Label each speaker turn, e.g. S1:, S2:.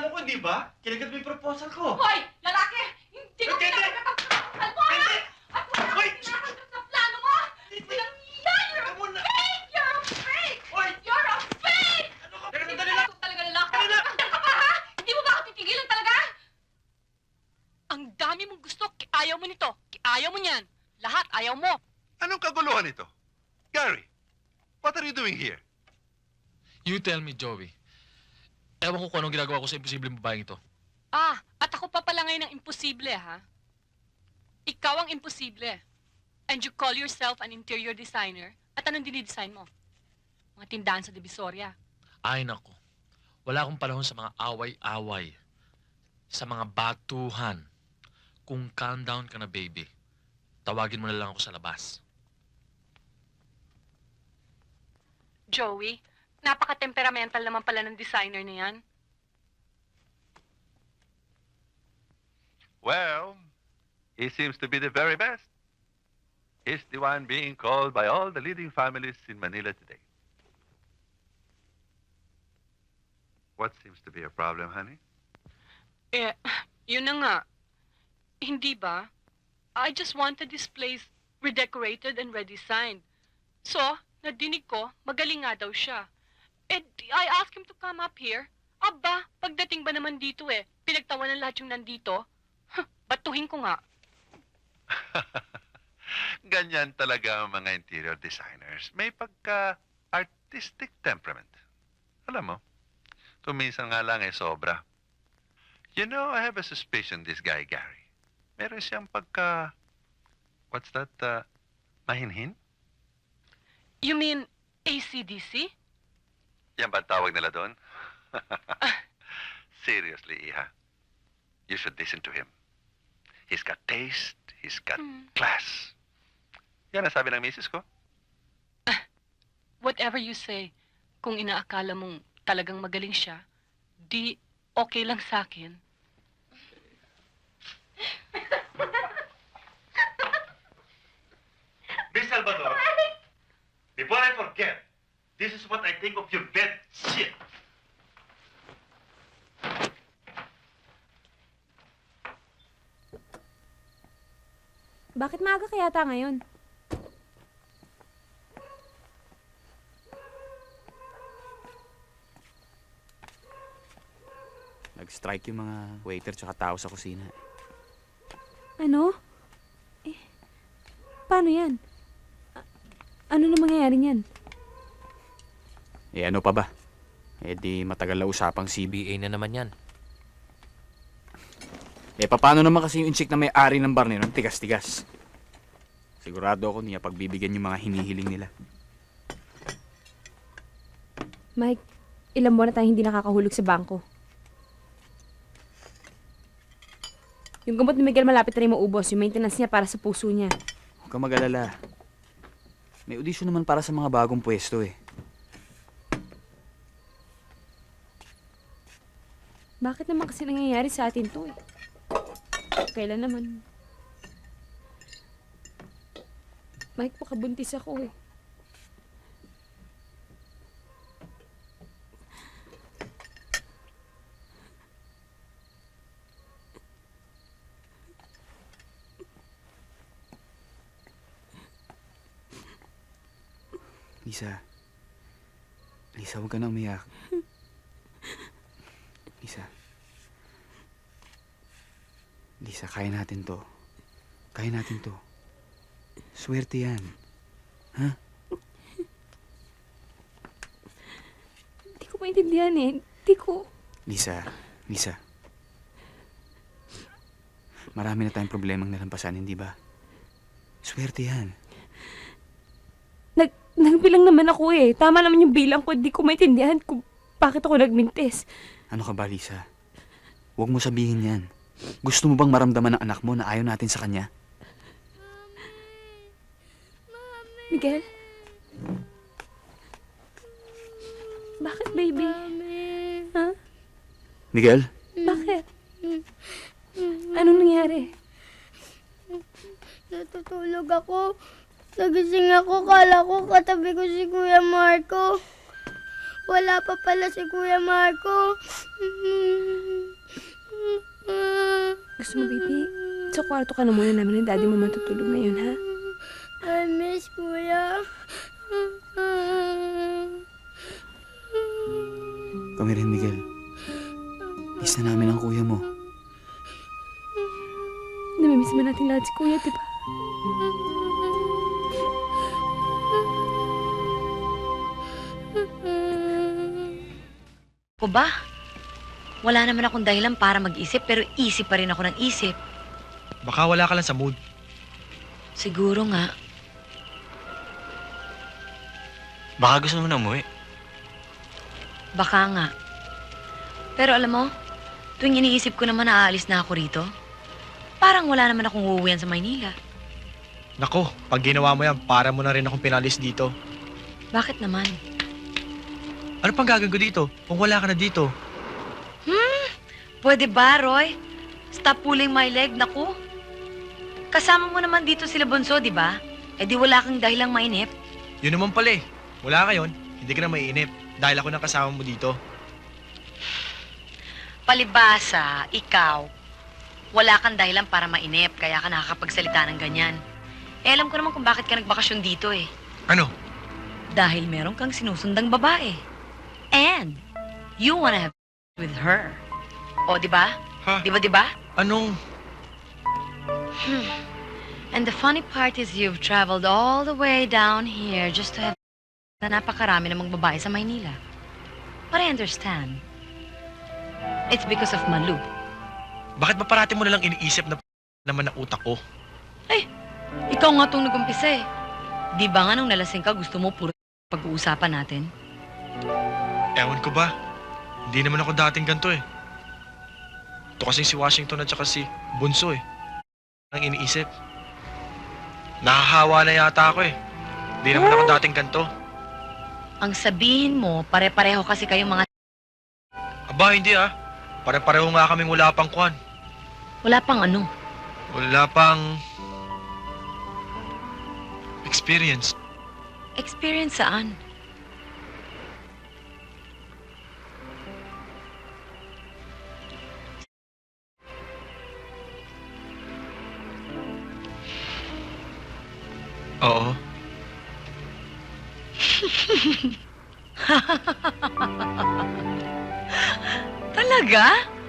S1: mo ko, di ba? Kinagat mo yung proposal ko.
S2: Hoy! Lalaki! Hindi mo
S1: Hindi!
S2: pinapagpapakal mo, ha?
S1: Hindi!
S2: At wala
S1: Hoy!
S2: kang pinapagat sa plano mo!
S1: Hindi!
S2: Walang yan! You're
S1: Teka
S2: a
S1: muna!
S2: fake! You're a fake!
S1: Hoy!
S2: You're a fake!
S1: Ano ka?
S2: Hindi
S1: Teka,
S2: mo
S1: sandali lang!
S2: ako talaga lalaki.
S1: Sandali lang!
S2: Ano ka ba, ha? Hindi mo ba ako titigilan talaga? Ang dami mong gusto. Ayaw mo nito. Ayaw mo niyan. Lahat ayaw mo.
S3: Anong kaguluhan ito? Gary, what are you doing here?
S4: You tell me, Joey. Ewan ko kung anong ginagawa ko sa imposibleng babaeng ito.
S2: Ah, at ako pa pala ngayon ang imposible, ha? Ikaw ang imposible. And you call yourself an interior designer? At anong dinidesign mo? Mga tindahan sa Divisoria.
S4: Ay, nako. Wala akong panahon sa mga away-away. Sa mga batuhan. Kung calm down ka na, baby, tawagin mo na lang ako sa labas.
S2: Joey, napaka-temperamental naman pala ng designer na yan.
S3: Well, he seems to be the very best. He's the one being called by all the leading families in Manila today. What seems to be a problem, honey?
S2: Eh, yun na nga. Hindi ba? I just wanted this place redecorated and redesigned. So, nadinig ko, magaling nga daw siya. And I asked him to come up here. Aba, pagdating ba naman dito pinagtawanan lahat yung nandito? Batuhin ko nga.
S3: Ganyan talaga ang mga interior designers. May pagka-artistic temperament. Alam mo, tuminsan nga lang sobra. You know, I have a suspicion this guy, Gary. Meron siyang what's that, mahinhin?
S2: You mean AC/DC?
S3: Yan ba ang tawag nila doon? Seriously, Iha. You should listen to him. He's got taste, he's got class. Yan ang sabi ng misis ko.
S2: Whatever you say, kung inaakala mong talagang magaling siya, di okay lang sa akin.
S1: Miss Salvador, before I forget, this is what I think of your bed shit.
S5: Bakit maaga kaya ta ngayon?
S6: Nag-strike yung mga waiter tsaka tao sa kusina.
S5: Ano? Paano yan? Ano na mangyayari niyan?
S6: Eh ano pa ba? Eh di matagal na usapang CBA na naman yan. Eh paano naman kasi yung chick na may-ari ng bar nila, tigas-tigas. Sigurado ako niya pagbibigyan yung mga hinihiling nila.
S5: Mike, ilang buwan na tayong hindi nakakahulog sa bangko. Yung gamot ni Miguel malapit na rin maubos. Yung maintenance niya para sa puso niya.
S6: Huwag kang mag-alala. May audition naman para sa mga bagong pwesto eh.
S5: Bakit naman kasi nangyayari sa atin to Kailan naman? Mike, pakabuntis ako
S6: Lisa. Lisa, huwag ka na umiyak. Lisa. Lisa, kaya natin to. Kaya natin to. Swerte yan. Ha?
S5: Hindi ko maintindihan Hindi ko...
S6: Lisa. Lisa. Marami na tayong problemang nalampasan, hindi ba? Swerte yan.
S5: Nagbilang naman ako Tama naman yung bilang ko. Hindi ko maintindihan kung bakit ako nagmintis.
S6: Ano ka ba, Lisa? Huwag mo sabihin yan. Gusto mo bang maramdaman ng anak mo na ayaw natin sa kanya?
S5: Miguel? Bakit, baby? Ha?
S6: Miguel?
S5: Bakit? Anong nangyari?
S7: Natutulog ako. Nagising ako. Kala ko katabi ko si Kuya Marco. Wala pa pala si Kuya Marco.
S5: Gusto mo, baby? Sa kwarto ka na muna namin ng daddy mo matutulog ngayon, ha?
S7: I miss Kuya.
S6: Kami rin, Miguel. Miss na namin ang kuya mo.
S5: Namimiss ba natin lahat si kuya, di ba?
S8: Ko ba? Wala naman akong dahilan para mag-isip pero isip pa rin ako ng isip.
S9: Baka wala ka lang sa mood.
S8: Siguro nga.
S9: Baka gusto mo na umuwi.
S8: Baka nga. Pero alam mo, tuwing iniisip ko naman na aalis na ako rito, parang wala naman akong uuwihan sa Maynila.
S9: Nako, pag ginawa mo yan, para mo na rin akong pinalis dito.
S8: Bakit naman?
S9: Ano pang gagawin ko dito kung wala ka na dito?
S8: Pwede ba, Roy? Stop pulling my leg, naku. Kasama mo naman dito sila Bunso, di ba? Eh di wala kang dahilang mainip.
S9: Yun naman pala eh. Wala ka yun, hindi ka na maiinip. Dahil ako nang kasama mo dito.
S8: Palibasa, ikaw, wala kang dahilan para mainip, kaya ka nakakapagsalita ng ganyan. Eh alam ko naman kung bakit ka nagbakasyon dito eh.
S9: Ano?
S8: Dahil meron kang sinusundang babae. And you wanna have with her. O, di ba?
S9: Ha?
S8: Di ba?
S9: Anong...
S8: And the funny part is you've traveled all the way down here just to have na napakarami namang babae sa Maynila. But I understand. It's because of Malu.
S9: Bakit ba parati mo nalang iniisip na naman ang utak ko?
S8: Ikaw nga itong nag-umpisa eh. Di ba nga nung nalasing ka, gusto mo puro pag-uusapan natin?
S9: Ewan ko ba? Hindi naman ako dating ganito eh. Ito kasing si Washington at saka si Bunso eh. Ang iniisip. Nahahawa na yata ako eh. Hindi naman ako dating ganito.
S8: Ang sabihin mo, pare-pareho kasi kayong mga...
S9: Aba, hindi ah. Pare-pareho nga kaming wala pang kwan.
S8: Wala pang ano.
S9: Wala pang... experience.
S8: Experience saan?
S9: Oo.
S8: Talaga?